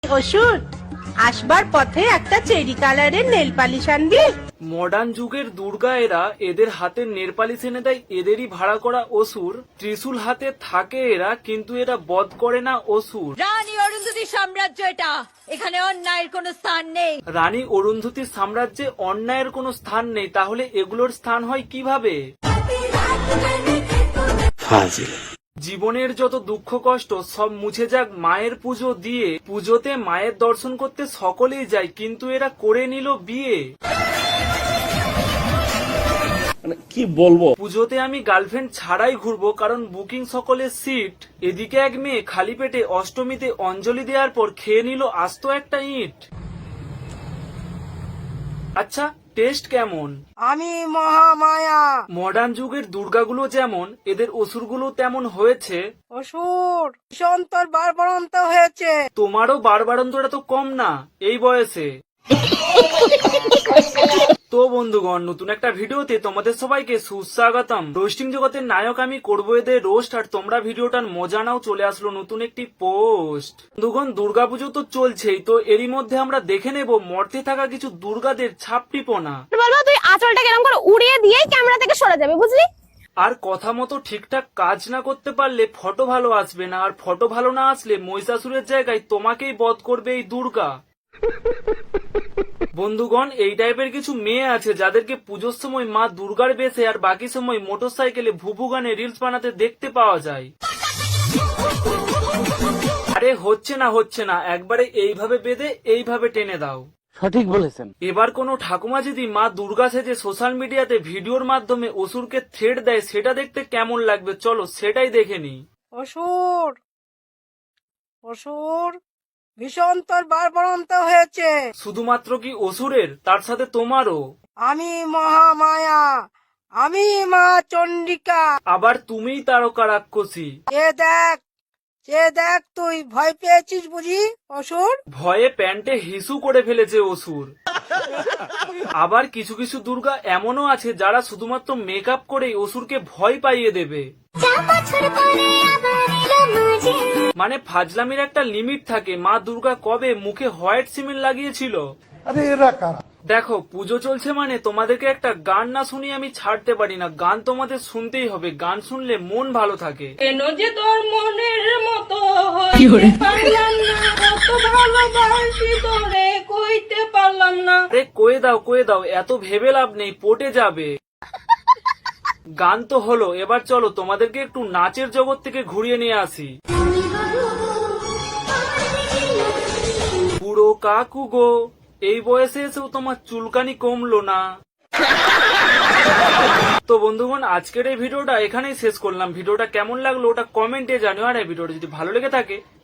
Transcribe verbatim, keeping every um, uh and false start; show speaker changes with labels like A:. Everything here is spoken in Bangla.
A: অসুর, আসবার পথে একটা চেরি কালারের নেল পালিশ আনবি।
B: মডার্ন যুগের দুর্গা এরা, এদের হাতে নেল পালিশ এনে দেয় এদেরই ভাড়া করা অসুর। ত্রিশূল হাতে থাকে এরা, কিন্তু এরা বধ করে না অসুর।
C: রানী অরুন্ধতির সাম্রাজ্য এটা, এখানে অন্যায়ের কোনো স্থান নেই।
B: রানী অরুন্ধতির সাম্রাজ্যে অন্যায়ের কোনো স্থান নেই, তাহলে এগুলোর স্থান হয় কিভাবে? জীবনের যত দুঃখ কষ্ট সব মুছে যাক মায়ের পুজো দিয়ে। পুজোতে মায়ের দর্শন করতে সকলেই যায়, কিন্তু এরা করে নিল বিয়ে।
D: কি বলবো,
B: পুজোতে আমি গার্লফ্রেন্ড ছাড়াই ঘুরবো, কারণ বুকিং সকলের সিট। এদিকে এক মেয়ে খালি পেটে অষ্টমীতে অঞ্জলি দেওয়ার পর খেয়ে নিল আস্ত একটা ইট। আচ্ছা, টেস্ট কেমন?
E: আমি মহামায়া।
B: মডার্ন যুগের দুর্গাগুলো যেমন, এদের অসুরগুলো তেমন হয়েছে।
E: অসুর সন্তর বারবারন্ত হয়েছে।
B: তোমারও বারবারন্তটা তো কম না এই বয়সে। তো বন্ধুগণ, নতুন একটা ভিডিওতে তোমাদের সবাইকে সুস্বাগতম। রোস্টিং জগতের নায়ক আমি করবো এদের রোস্ট, আর তোমরা ভিডিওটার মজা নাও। চলে আসলো নতুন একটি পোস্ট। বন্ধুগণ, দুর্গাপুজো তো চলছেই, তো এরই মধ্যে আমরা দেখে নেব মর্তে থাকা কিছু দুর্গাদের ছাপটিপনা।
F: বলবো তুই আঁচলটা কেরম করে উড়িয়ে দিয়েই ক্যামেরা থেকে সরে যাবে, বুঝলি?
B: আর কথা মতো ঠিকঠাক কাজ না করতে পারলে ফটো ভালো আসবে না, আর ফটো ভালো না আসলে মহিষাসুরের জায়গায় তোমাকেই বধ করবে এই দুর্গা। বন্ধুগণ, এই টাইপের কিছু মেয়ে আছে যাদেরকে পুজোর সময় মা দুর্গার বেশে আর বাকি সময় মোটর সাইকেলে ভুভু গানে রিলস বানাতে দেখতে পাওয়া যায়। আরে হচ্ছে না হচ্ছে না, একবারে এইভাবে বেঁধে এইভাবে টেনে দাও।
D: সঠিক বলেছেন।
B: এবার কোনো ঠাকুমা যদি মা দুর্গা সেজে সোশ্যাল মিডিয়াতে ভিডিওর মাধ্যমে অসুরকে থ্রেট দেয়, সেটা দেখতে কেমন লাগবে চলো সেটাই দেখে নি।
E: অসুর অসুর ভীষণ তোর বারবারন্ত হয়েছে।
B: শুধুমাত্র কি অসুরের, তার সাথে তোমারও।
E: আমি মহামায়া, আমি মা চন্ডিকা।
B: আবার তুমিই তারকা রাক্ষসী।
E: এ দেখ, এ দেখ, তুই ভয় পেয়েছিস বুঝি অসুর?
B: ভয়ে প্যান্টে হিসু করে ফেলেছে অসুর। আবার কিছু কিছু দুর্গা এমনও আছে যারা শুধুমাত্র মেকআপ করেই অসুরকে ভয় পাইয়ে দেবে। মানে ফাজলামির একটা লিমিট থাকে। মা দুর্গা কবে মুখে হোয়াইট সিমেন্ট লাগিয়েছিল?
G: আরে এরা কারা?
B: দেখো, পুজো চলছে মানে তোমাদেরকে একটা গান না শুনিয়ে আমি ছাড়তে পারি না। গান তোমাদের শুনতেই হবে, গান শুনলে মন ভালো থাকে।
C: কেন যে তোর মনের মতো হইতে পারলাম না, কত ভালোবাসি তোরে কইতে পারলাম না।
B: আরে কয়ে দাও কয়ে দাও, এত ভেবে লাভ নেই, পটে যাবে। গান তো হলো, এবার চলো তোমাদেরকে একটু নাচের জগৎ থেকে ঘুরিয়ে নিয়ে আসি। পুরো কাকু গো, এই বয়সে এসেও তোমার চুলকানি কমলো না। তো বন্ধুগণ, আজকের এই ভিডিওটা এখানেই শেষ করলাম। ভিডিওটা কেমন লাগলো ওটা কমেন্টে জানিও, আর এই ভিডিওটা যদি ভালো লেগে থাকে